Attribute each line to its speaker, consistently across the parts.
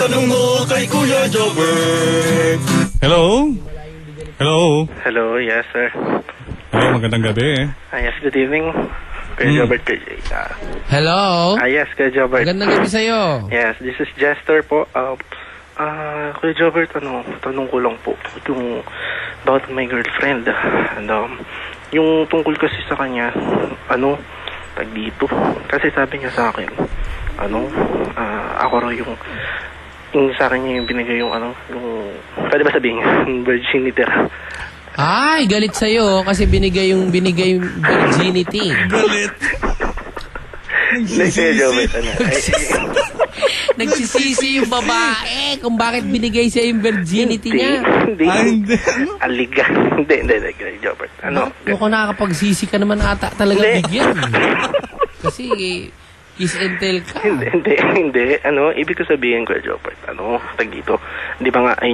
Speaker 1: Itanong mo kay Kuya Jobber.
Speaker 2: Hello? Hello?
Speaker 3: Hello, yes sir.
Speaker 2: Hello, magandang gabi.
Speaker 3: Yes, good evening. Kuya Jobert,
Speaker 4: Hello?
Speaker 3: yes, Kuya Jobert.
Speaker 4: Magandang gabi sa'yo.
Speaker 3: Yes, this is Jester po. Kuya Jobert, tanong ko lang po yung about my girlfriend. And, yung tungkol kasi sa kanya, tag dito. Kasi sabi niya sa akin, ako raw yung sa akin niya yung binigay yung pwede ba sabihin, virginity.
Speaker 4: Ay, galit sa'yo kasi binigay yung virginity.
Speaker 2: Galit.
Speaker 4: Nagsisisi yung babae kung bakit binigay siya yung virginity niya.
Speaker 3: Hindi. Aliga. Hindi, Jobert.
Speaker 4: Mukhang nakakapagsisi ka naman ata talaga bigyan. Kasi kiss and tell ka.
Speaker 3: Hindi. Ibig ko sabihin ko, Jobert, tag dito. Di ba nga,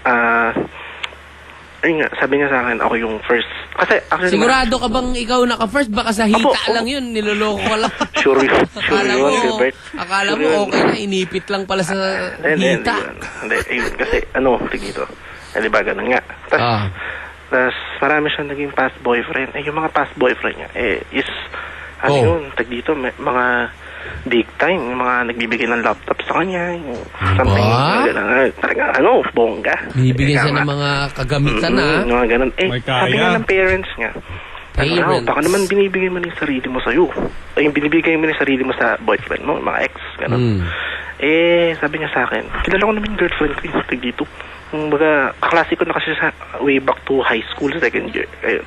Speaker 3: sabi niya sa akin, ako yung first. Kasi, actually,
Speaker 4: sigurado ka bang ikaw naka-first? Baka sa hita lang yun, niloloko ka lang.
Speaker 3: Sure yun, Gilbert.
Speaker 4: Akala mo okay na, inipit lang pala sa hita.
Speaker 3: Hindi, kasi, tag dito. Di ba, ganun nga. Tapos, marami siyang naging past boyfriend. Yung mga past boyfriend niya, is, yun, tag dito, mga big time, yung mga nagbibigay ng laptop sa kanya, something, talaga, bongga.
Speaker 4: Bibigyan siya ng mga kagamitan,
Speaker 3: mga ganun. Sabi nga ng parents niya, baka naman binibigay mo yung sarili mo sa'yo. Yung binibigay mo yung sarili mo sa boyfriend mo, mga ex, ganun. Sabi niya sa akin, kilala ko naman yung girlfriend ko, yung tag dito. Baga, kaklase ko na kasi sa way back to high school, second year. Ayun.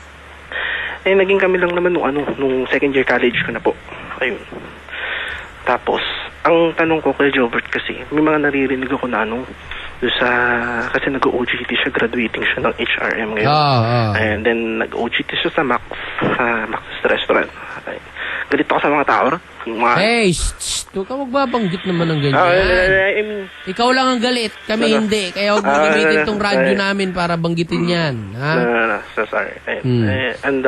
Speaker 3: Naging kami lang naman nung second year college ko na po. Ayun. Tapos, ang tanong ko kay Jobert kasi, may mga naririnig ako na kasi nag-OJT siya, graduating siya ng HRM ngayon. And then, nag-OJT siya sa Max's Restaurant. Galit ako sa mga tao.
Speaker 4: Hey, huwag ka magbabanggit naman ng ganyan. Ikaw lang ang galit, kami hindi. Kaya huwag mo gamitin tong radyo namin para banggitin yan.
Speaker 3: So sorry. And,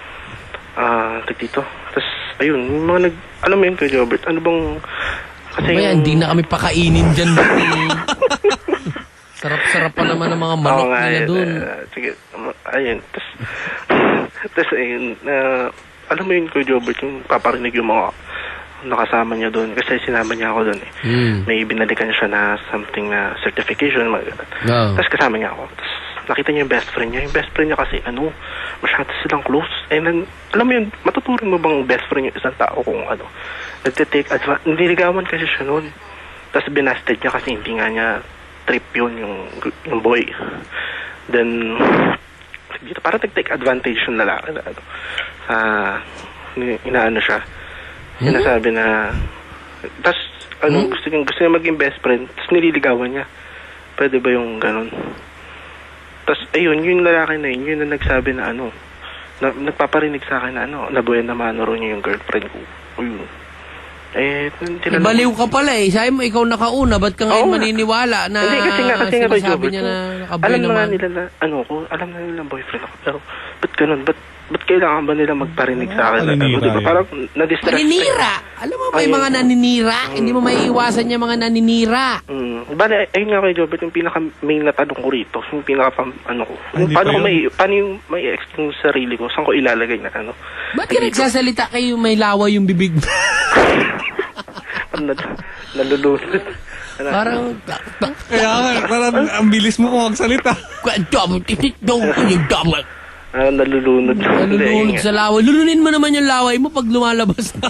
Speaker 3: dito. Tapos, ayun, mga alam mo yun kay Jobert, ano bang, kasi
Speaker 4: hindi na kami pakainin dyan. Sarap-sarap pa naman ang mga manok nila dun.
Speaker 3: Sige, ayun. Tapos, ayun, alam mo yun kay Jobert, yung paparinig yung mga nakasama niya doon kasi sinama niya ako doon May binalikan siya na something na certification, tapos kasama niya ako. Tapos nakita niya yung best friend niya. Yung best friend niya kasi masyado silang close. Alam mo yun, matuturing mo bang best friend yung isang tao kung nagtitake advantage. Nililigawan kasi siya noon. Tapos binasted niya kasi hindi nga niya trip yun yung boy. Then dito parang nag-take advantage yung lalaki na inaano siya. Sinasabi na tas gusto niya maging best friend tas nililigawan niya. Pwede ba yung ganun? Tas ayun, yung lalaki na yun na nagsabi na nagpaparinig sa akin na na buwan naman niya yung girlfriend ko. Ayun.
Speaker 4: Baliw ka pala Sabi mo, ikaw nakauna. Ba't ka ngayon maniniwala na
Speaker 3: hindi, kasi nga
Speaker 4: sinasabi niya na nakabuhay naman?
Speaker 3: Alam na nila na, alam na nila boyfriend ako. Pero, ba't ganun? Ba't kailangan ba nila magparinig sa akin? Diba? Parang, na-distract.
Speaker 4: Naninira! Alam mo, may mga naninira. Hindi mo maiiwasan yung mga naninira.
Speaker 3: Bale, ayun nga kay Jobert, yung pinaka-main na tanong ko rito, yung paano yung may explain yung sarili ko, saan ko ilalagay na
Speaker 4: Ba't ka nagsasalita kayo may laway yung bibig mo?
Speaker 3: Nalulunod.
Speaker 4: Parang
Speaker 2: Kaya parang ang bilis mo kung magsalita.
Speaker 3: Nalulunod.
Speaker 4: Nalulunod sa laway. Lulunin mo naman yung laway mo pag lumalabas na.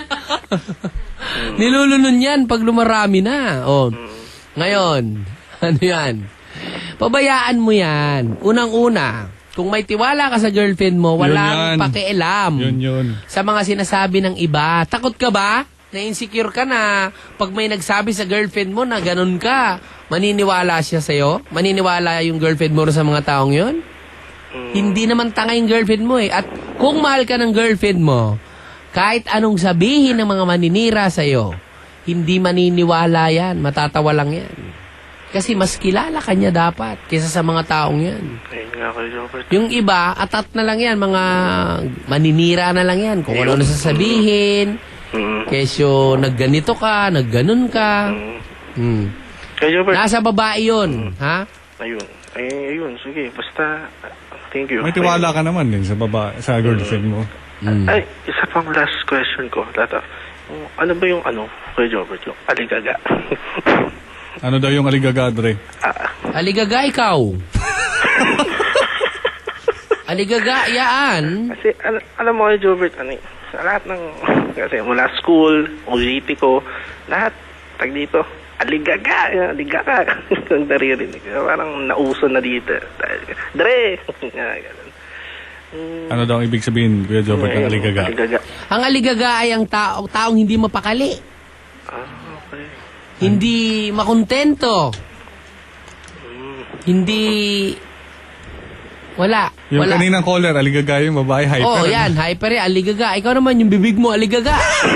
Speaker 4: Nilulunod yan pag lumarami na. Ngayon, yan? Pabayaan mo yan. Unang-una, kung may tiwala ka sa girlfriend mo, walang pakialam.
Speaker 2: Yun.
Speaker 4: Sa mga sinasabi ng iba. Takot ka ba? Na-insecure ka na pag may nagsabi sa girlfriend mo na ganun ka, maniniwala siya sa'yo? Maniniwala yung girlfriend mo sa mga taong yun? Hindi naman tanga yung girlfriend mo At kung mahal ka ng girlfriend mo, kahit anong sabihin ng mga maninira sa'yo, hindi maniniwala yan. Matatawa lang yan. Kasi mas kilala ka niya dapat kaysa sa mga taong yan. Yung iba, atat na lang yan. Mga maninira na lang yan. Kung ano nasasabihin. Kesyo nagganito ka, nagganon ka.
Speaker 3: Kaya Jobert,
Speaker 4: Nasa babae yun, ha?
Speaker 3: ayun. Ayun, sige. Basta, thank you.
Speaker 2: May tiwala ka naman din sa sa girlfriend mo.
Speaker 3: Ay, isa pang last question ko, Tata. Ano ba yung Kuya Jobert, yung aligaga?
Speaker 2: Ano daw yung aligaga, Dre?
Speaker 4: Aligaga ikaw. Aligaga, yaan.
Speaker 3: Kasi, alam mo Kuya Jobert, sa lahat ng, kasi mula school, OJT ko, lahat, dito, aligaga. Ang naririnig. Parang nauso na dito. Dre! Ganun.
Speaker 2: Ano daw ang ibig sabihin, Kuya Jobert, ng aligaga?
Speaker 3: Aligaga.
Speaker 4: Ang aligaga ay ang taong hindi mapakali.
Speaker 3: Okay.
Speaker 4: Hindi makontento. Hindi... Wala.
Speaker 2: Yung
Speaker 4: wala.
Speaker 2: kaninang caller, aligaga yung babae, hyper.
Speaker 4: Oo, yan. Hyper yan. Aligaga. Ikaw naman, yung bibig mo, aligaga.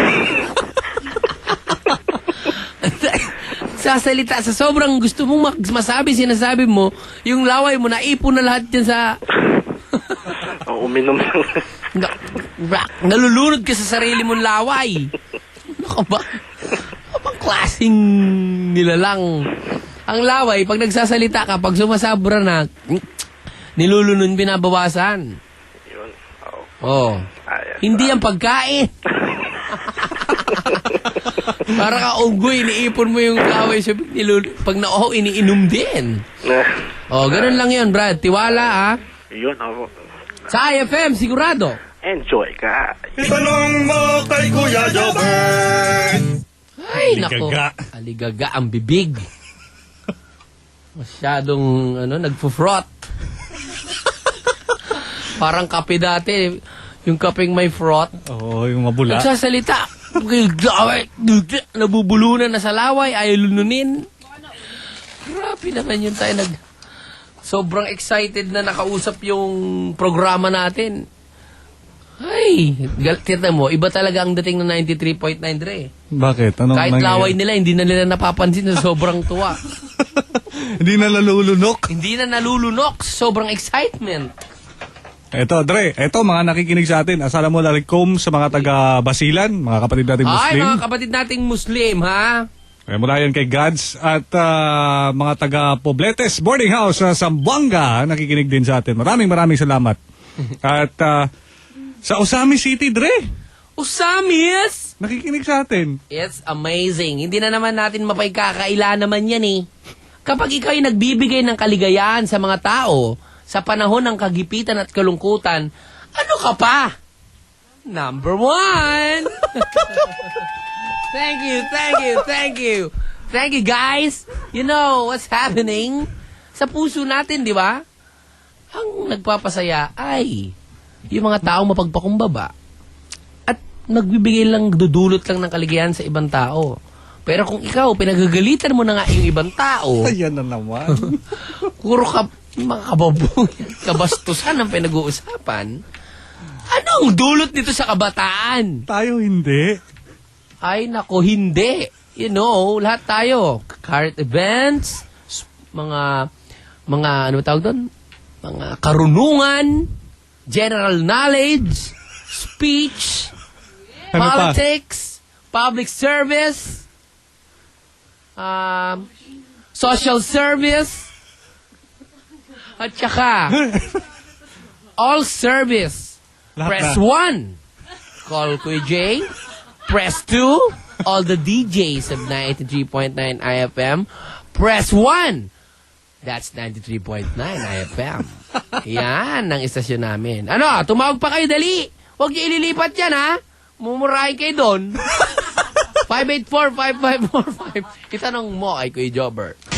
Speaker 4: Sasalita sa sobrang gusto mong masabi, sinasabi mo, yung laway mo, naipon na lahat dyan sa...
Speaker 3: Uminom lang.
Speaker 4: Nalulunod ka sa sarili mong laway. Ano ba? Abang klaseng nilalang. Ang laway, pag nagsasalita ka, pag sumasabra na, nilulunod, binabawasan.
Speaker 3: Yun.
Speaker 4: Oh. Hindi ang pagkain. Para ka unggoy, iniipon mo yung laway. Pag nauho, iniinom din. Oh, ganun lang yun, Brad. Tiwala, ha?
Speaker 3: Yun, ako.
Speaker 4: Sa IFM, sigurado.
Speaker 3: Enjoy ka.
Speaker 1: Itanong mo kay Kuya Jobert.
Speaker 4: Ay, nako.
Speaker 2: Aligaga.
Speaker 4: Aligaga ang bibig. Masyadong, nagpo-frot. Parang kape dati. Yung kapeng may frot.
Speaker 2: Oo, yung mabula.
Speaker 4: Nagsasalita. Nabubulunan na sa laway. Ayaw lununin. Grabe naman yun tayo. Sobrang excited na nakausap yung programa natin. Ay, tita mo, iba talaga ang dating ng 93.9 Dre.
Speaker 2: Bakit? Anong
Speaker 4: Kahit
Speaker 2: nangyayari?
Speaker 4: laway nila, hindi na nila napapansin na sobrang tuwa.
Speaker 2: Hindi na nalulunok.
Speaker 4: Hindi na nalulunok. Sobrang excitement.
Speaker 2: Eto, Dre, mga nakikinig sa atin. Assalamu alaikum sa mga taga-Basilan, mga kapatid nating Muslim.
Speaker 4: Ay, mga kapatid nating Muslim, ha?
Speaker 2: Mula yan kay Gads at mga taga-Pobletes Boarding House sa Zamboanga, nakikinig din sa atin. Maraming salamat. At sa Osami City, Dre.
Speaker 4: Usamis!
Speaker 2: Nakikinig sa atin.
Speaker 4: It's amazing. Hindi na naman natin mapagkakaila naman yan eh. Kapag ikaw ay nagbibigay ng kaligayahan sa mga tao, sa panahon ng kagipitan at kalungkutan, ano ka pa? Number 1! Thank you. Thank you, guys. You know what's happening? Sa puso natin, di ba? Ang nagpapasaya ay yung mga taong mapagpakumbaba at nagbibigay lang, dudulot lang ng kaligayahan sa ibang tao. Pero kung ikaw, pinagagalitan mo na nga yung ibang tao,
Speaker 2: Ayan na naman.
Speaker 4: puro mga kababuyan, kabastusan ang pinag-uusapan, anong dulot nito sa kabataan?
Speaker 2: Tayo hindi.
Speaker 4: Ay, nako, hindi. You know, lahat tayo. Current events, mga ano tawag doon? Mga karunungan, general knowledge, speech,
Speaker 2: Ano pa?
Speaker 4: politics, public service, social service, at saka all service.
Speaker 2: Lahat
Speaker 4: Press 1. Call Kuya Jay. Press 2. All the DJs of 93.9 IFM. Press 1. That's 93.9 IFM. Yan ang istasyon namin. Ano, tumawag pa kayo, dali. Huwag niyo ililipat yan, ha? Mumurahin kayo doon. 584-5545. Itanong mo kay Kuya Jobert.